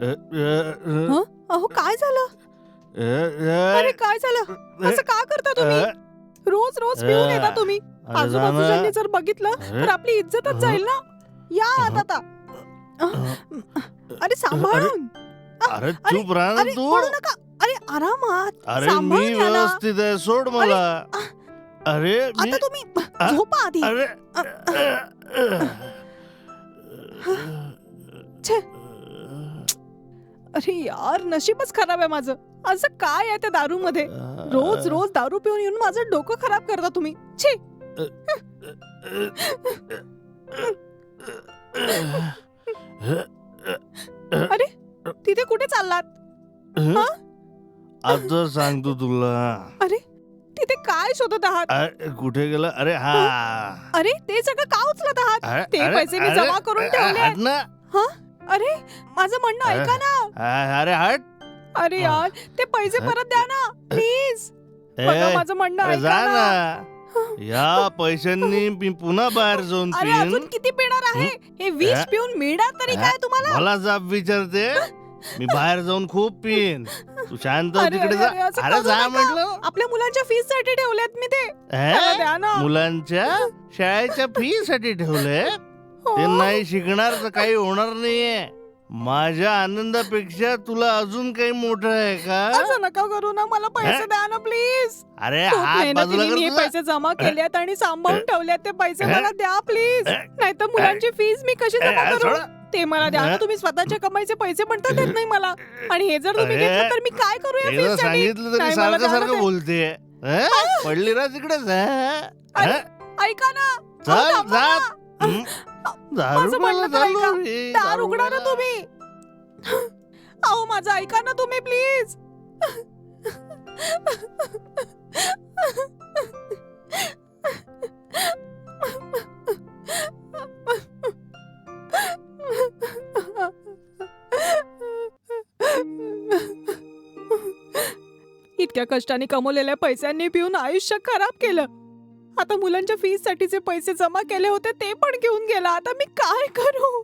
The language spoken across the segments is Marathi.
हं? अहो काय झालं? अरे काय झालं? असं का करता तुम्ही? रोज रोज पिऊन येता तुम्ही. आजूबाजूच्यांनी जर बघितलं तर आपली इज्जतच जाईल ना. या आता. अरे सांभाळून. अरे चुप राहा ना अरे तू. पडू नका. अरे आरामात. अरे मी सांभाळून या ना. व्यवस्थित आहे, सोड मला. अरे मी आता तुम्ही झोपा आधी. अरे छे. अरे यार नशीबच खराब आहे माझं. असं काय आहे त्या दारू मध्ये? रोज रोज दारू पिऊन येऊन माझं डोकं खराब करता तुम्ही. छी. अरे तिथे कुठे चाललात? आता सांगतो तुला. अरे तिथे काय शोधत आहात? कुठे गेला? अरे हा. अरे ते सगळं का उचलत आहात? ते पैसे मी जमा करून ठेवले हट ना. अरे माझं म्हणणं ऐका ना. अरे हट. अरे यार ते पैसे परत द्या ना प्लीज. बघा माझं म्हणणं जा ऐका ना. ना. या पैशांनी मी पुन्हा बाहेर जाऊन अरे पिईन. अजून किती पिणार आहे? हे विष पिऊन मिळणार तरी काय तुम्हाला? मला जाब विचारते. मी बाहेर जाऊन खूप पिईन. तू शांत अरे, तिकडे अरे, जा. अरे, असं अरे करू जा नका. म्हटलं. आपल्या मुलांच्या फीस साठी ठेवलेत मी ते. मला द्या ना. मुलांच्या शाळेच्या फी साठी ठेवले. हो. ते नाही शिकणार तर काही होणार नाहीये. माझ्या आनंदापेक्षा तुला अजून काही मोठं आहे का? असं नका करू ना. मला पैसे द्या ना प्लीज. अरे खूप हात बाजूला मेहनतीने मी हे कर पैसे जमा केलेत आणि सांभाळून ठेवलेत. ते पैसे मला द्या प्लीज. नाहीतर मुलांची फीस मी कशी जमा करू? ते मला द्या ना. तुम्ही स्वतःच्या कमाईचे पैसे पण तर देत नाही मला. आणि हे जर तुम्ही घेतलं तर मी काय करू या एकदा फीस साठी? सांगितलं तरी सारखं सारखं बोलते. पडली ना तिकडे. ऐका ना. चल थांबा जा. ना. दारू माझं म्हणणं तर चालू ऐका. आहे. दार उघडा ना तुम्ही. अहो माझं ऐका ना तुम्ही प्लीज. इतक्या कष्टाने कमवलेल्या पैशांनी पिऊन आयुष्य खराब केलं. आता मुलांच्या फीस साठीचे पैसे जमा केले होते ते पण घेऊन गेला. आता मी काय करू?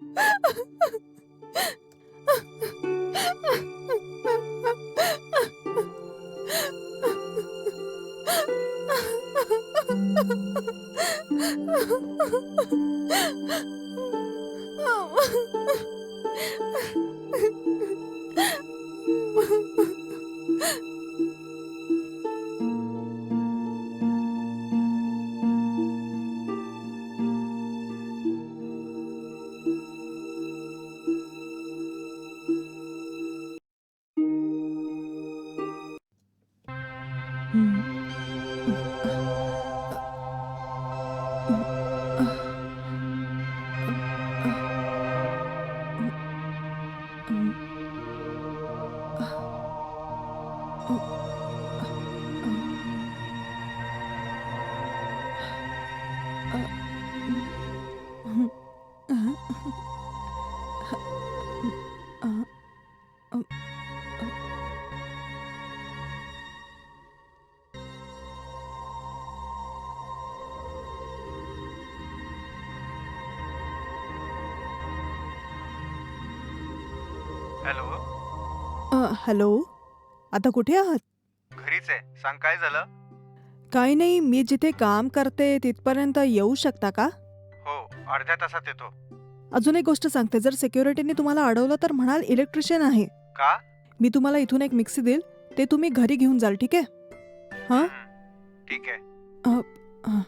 हॅलो. हॅलो. आता कुठे आहात? घरीच आहे. सांग काय झालं? काही नाही. मी जिथे काम करते तिथपर्यंत येऊ शकता का? हो, अर्ध्या तासात येतो. अजून एक गोष्ट सांगते. जर सिक्युरिटीने तुम्हाला अडवलं तर म्हणाल इलेक्ट्रिशियन आहे. का? मी तुम्हाला इथून एक मिक्सी देईल. ते तुम्ही घरी घेऊन जाल. ठीक आहे? हा? ठीक आहे.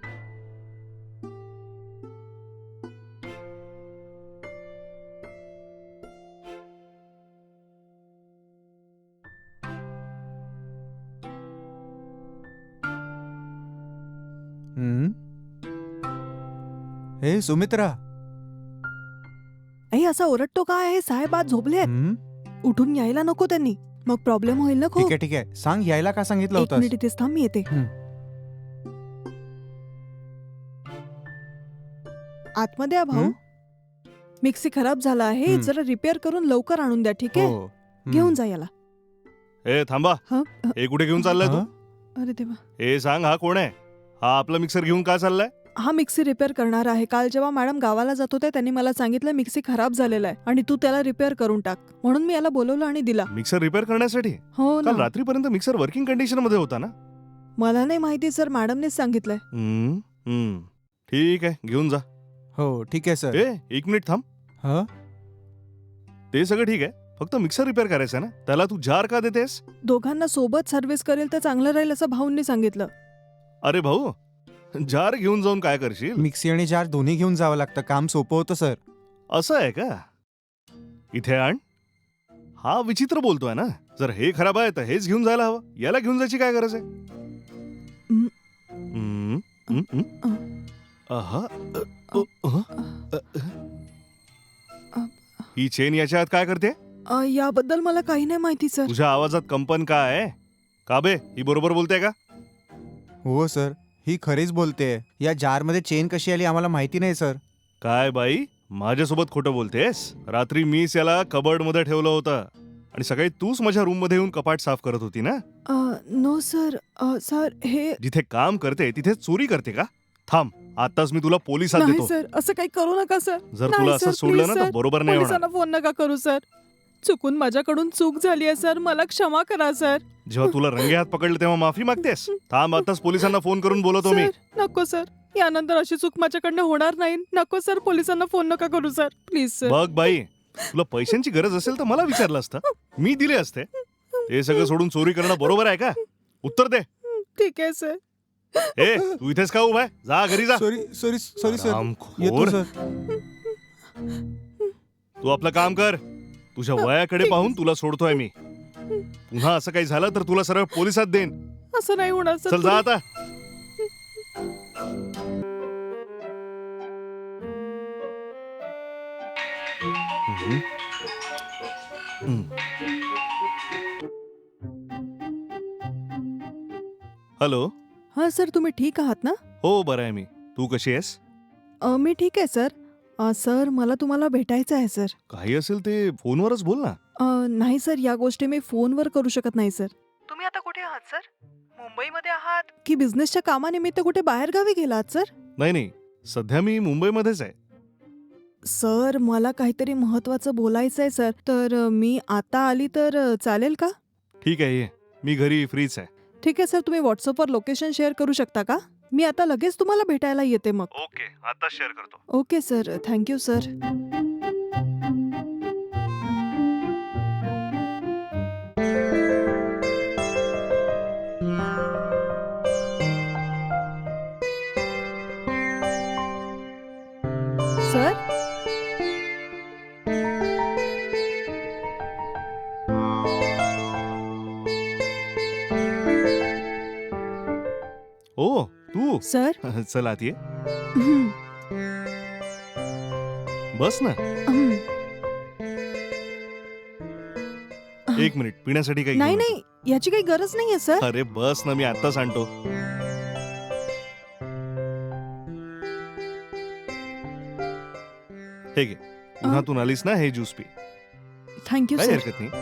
हे सुमित्रा. आई असा ओरडतो काय आहे? साहेब आज झोपले आहेत. उठून यायला नको त्यांनी. मग प्रॉब्लेम होईल ना खूप. ठीक आहे ठीक आहे. सांग यायला का सांगितलं एक होतं? मिनिट इथेच थांब. मी येते. आतमध्ये या भाऊ. मिक्सी खराब झाला आहे. जरा रिपेअर करून लवकर आणून द्या. ठीक आहे? घेऊन जा याला. ए थांबा. हे कुठे घेऊन चाललाय तू? अरे देवा. हे सांग हा कोण आहे? हा आपला मिक्सर घेऊन का चाललाय? हा मिक्सी रिपेअर करणार आहे. काल जेव्हा मॅडम गावाला जात होते त्यांनी मला सांगितलं मिक्सी खराब झालेला आहे आणि तू त्याला रिपेअर करून टाक, म्हणून मी याला बोलवलं आणि दिला. मिक्सर रिपेअर करण्यासाठी? हो काल ना. रात्रीपर्यंत मिक्सर वर्किंग कंडिशन मध्ये होता ना? मला नाही माहिती सर, मॅडमनेच सांगितलंय. ठीक आहे, घेऊन जा. हो ठीक आहे सर. एक मिनिट थांब. ह ते सगळं ठीक आहे, फक्त मिक्सर रिपेअर करायचं आहे ना, त्याला तू जार का देतेस? दोघांना सोबत सर्व्हिस करेल तर चांगलं राहील असं भाऊंनी सांगितलं. अरे भाऊ, जार घेऊन जाऊन काय करशील? मिक्सी आणि जार दोन्ही घेऊन जावं लागतं, काम सोपं होतं सर. असं आहे का? इथे आण. हा विचित्र बोलतोय ना. जर हे खराब आहे तर हेच घेऊन जायला हवं, याला घेऊन जायची काय गरज आहे? हं. हं, हं, हं. आहा, ही चेन याच्या आत काय करते? याबद्दल मला काही नाही माहिती सर. तुझ्या आवाजात कंपन काय आहे? का बे, ही बरोबर बोलते का? हो सर, ही खरीच बोलते. या जारमध्ये चेन कशी आली आम्हाला माहिती नाही सर. काय बाई, माझ्यासोबत खोटं बोलतेस? रात्री मीच याला कबर्ड मध्ये ठेवलं होतं आणि सकाळी तूच माझ्या रूम मध्ये येऊन कपाट साफ करत होती ना? No sir. सर हे जिथे काम करते तिथे चोरी करते का? थांब, आताच मी तुला पोलिसात नाही देतो. सर, असं काही करू नका सर. जर नाही तुला असं सर, सोडलं please ना तर सर. बरोबर नाही होणार. पोलिसांना फोन नका करू सर. चुकून माझ्याकडून चूक झाली आहे सर, मला क्षमा करा सर. जेव्हा तुला रंगे हात पकडले तेव्हा माफी मागतेस? थांब, आताच पोलिसांना फोन करून बोलवतो मी. सर नको सर, यानंतर अशी चूक माझ्याकडनं होणार नाही. नको सर, पोलिसांना फोन नका करू सर, प्लीज सर. बघ बाई, तुला पैशांची गरज असेल तर मला विचारलं असतं, मी दिले असते. हे सगळं सोडून चोरी करणं बरोबर आहे का? उत्तर दे. ठीक आहे सर. तू इथेच का उभा आहे? जा घरी जा. Sorry sorry sorry sir. हरामखोर. येतो सर. तू आपलं काम कर. तुझ्या वयाकडे पाहून तुला सोडतोय मी. पुन्हा असं काही झालं तर तुला सरळ पोलिसात देईन. असं नाही होणार सर. चल जा आता. हॅलो. हा सर, तुम्ही ठीक आहात ना? हो, बरं आहे मी. तू कशी आहेस? मी ठीक आहे सर. सर मला तुम्हाला भेटायचं आहे सर. काही असेल ते फोनवरच बोल ना. नाही सर, या गोष्टी मी फोनवर करू शकत नाही सर. तुम्ही आता कुठे आहात सर? मुंबईमध्ये आहात की बिझनेसच्या कामानिमित्त कुठे बाहेरगावी गेलात सर? नाही, सध्या मी मुंबईमध्येच आहे. सर मला काहीतरी महत्वाचं बोलायचं आहे सर, तर मी आता आली तर चालेल का? ठीक आहे, ये. मी घरी फ्रीच आहे. ठीक आहे सर, तुम्ही व्हॉट्सअपवर लोकेशन शेअर करू शकता का? मी आता लगेच तुम्हाला भेटायला येते मग. ओके, आता शेअर करतो. Okay sir, thank you sir. Sir ओ, तू. सर चल आत ये. हं, बस ना. हं. एक मिनिट, पिण्यासाठी काही नाही घेऊन नाही, याची काही गरज नाहीये सर. येतो. अरे बस ना, मी आत्ताच आणतो. हे घे. उन्हातून आलीस ना, हे ज्यूस पी. थँक्यू काही सर. हरकत नाही.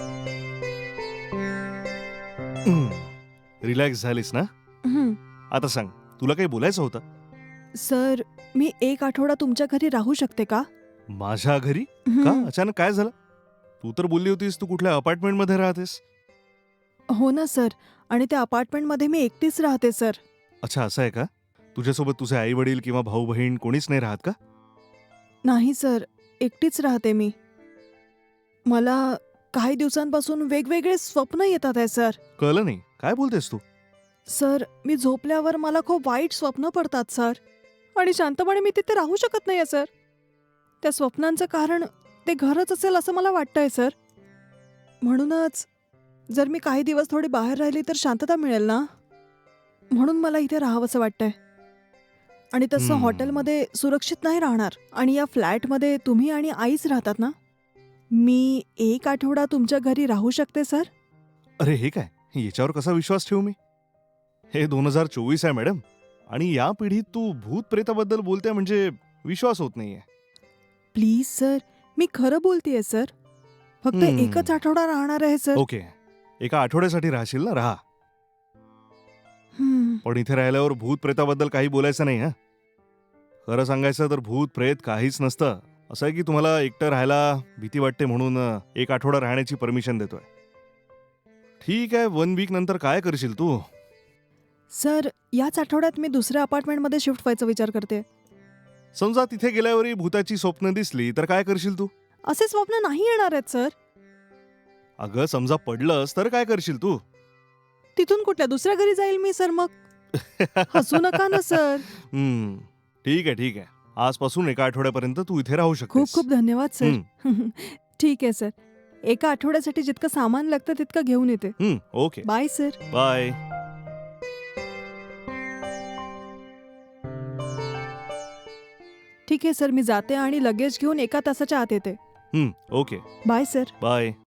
रिलॅक्स झालीस ना? हं. आता सांग, तुला काही बोलायचं होतं? सर मी एक आठवडा तुमच्या घरी राहू शकते का? माझ्या घरी? हं. का अचानक काय झालं? तू तर बोलली होतीस तू कुठल्या अपार्टमेंट मध्ये राहतेस. हो ना सर, आणि त्या अपार्टमेंटमध्ये मी एकटीच राहते सर. अच्छा, असं आहे का? तुझ्यासोबत तुझे आई वडील किंवा भाऊ बहीण कोणीच नाही राहत का? नाही सर, एकटीच राहते मी. मला काही दिवसांपासून वेगवेगळे स्वप्न येतात आहे सर. कळलं नाही, काय बोलतेस तू? सर मी झोपल्यावर मला खूप वाईट स्वप्न पडतात सर, आणि शांतपणे मी तिथे राहू शकत नाही सर. त्या स्वप्नांचं कारण ते घरच असेल असं मला वाटतंय सर. म्हणूनच जर मी काही दिवस थोडी बाहेर राहिली तर शांतता मिळेल ना, म्हणून मला इथे राहावंसं वाटतंय. आणि तसं हॉटेलमध्ये सुरक्षित नाही राहणार, आणि या फ्लॅटमध्ये तुम्ही आणि आईच राहतात ना. मी एक आठवडा तुमच्या घरी राहू शकते सर? अरे हे काय, याच्यावर कसा विश्वास ठेवू मी? हे 2024 आहे मॅडम, आणि या पिढीत तू भूत प्रेताबद्दल बोलते म्हणजे विश्वास होत नाहीये. प्लीज सर, मी खरं बोलतेय सर. फक्त एकच आठवडा राहणार आहे सर. ओके, एका आठवड्यासाठी राहशील ना, राहा. हं. पण इथे राहिल्यावर भूत प्रेताबद्दल काही बोलायचं नाही. हा, खरं सांगायचं तर भूत प्रेत काहीच नसतं. असं आहे की तुम्हाला एकटं राहायला भीती वाटते म्हणून एक आठवडा राहण्याची परमिशन देतोय. ठीक आहे, 1 वीक नंतर काय करशील तू? सर, याच आठवड्यात मी दुसऱ्या अपार्टमेंटमध्ये शिफ्ट व्हायचा विचार करते. समजा तिथे गेल्यावरही भूताची स्वप्न दिसली तर काय करशील तू? असे स्वप्न नाही येणार आहेत सर. अगं समजा पडलंस तर काय करशील तू? तिथून कुठल्या दुसऱ्या घरी जाईल मी सर मग. हसू नका ना सर. ठीक आहे ठीक आहे. आजपासून एका आठवड्यापर्यंत तू इथे राहू शकतेस. खूप खूप धन्यवाद सर. ठीक आहे सर. एका आठवड्यासाठी जितकं सामान लागतं तितकं घेऊन येते. Okay bye sir. बाय. ठीक आहे सर, मी जाते आणि लगेज घेऊन 1 तासाच्या आत येते. Okay bye sir. बाय.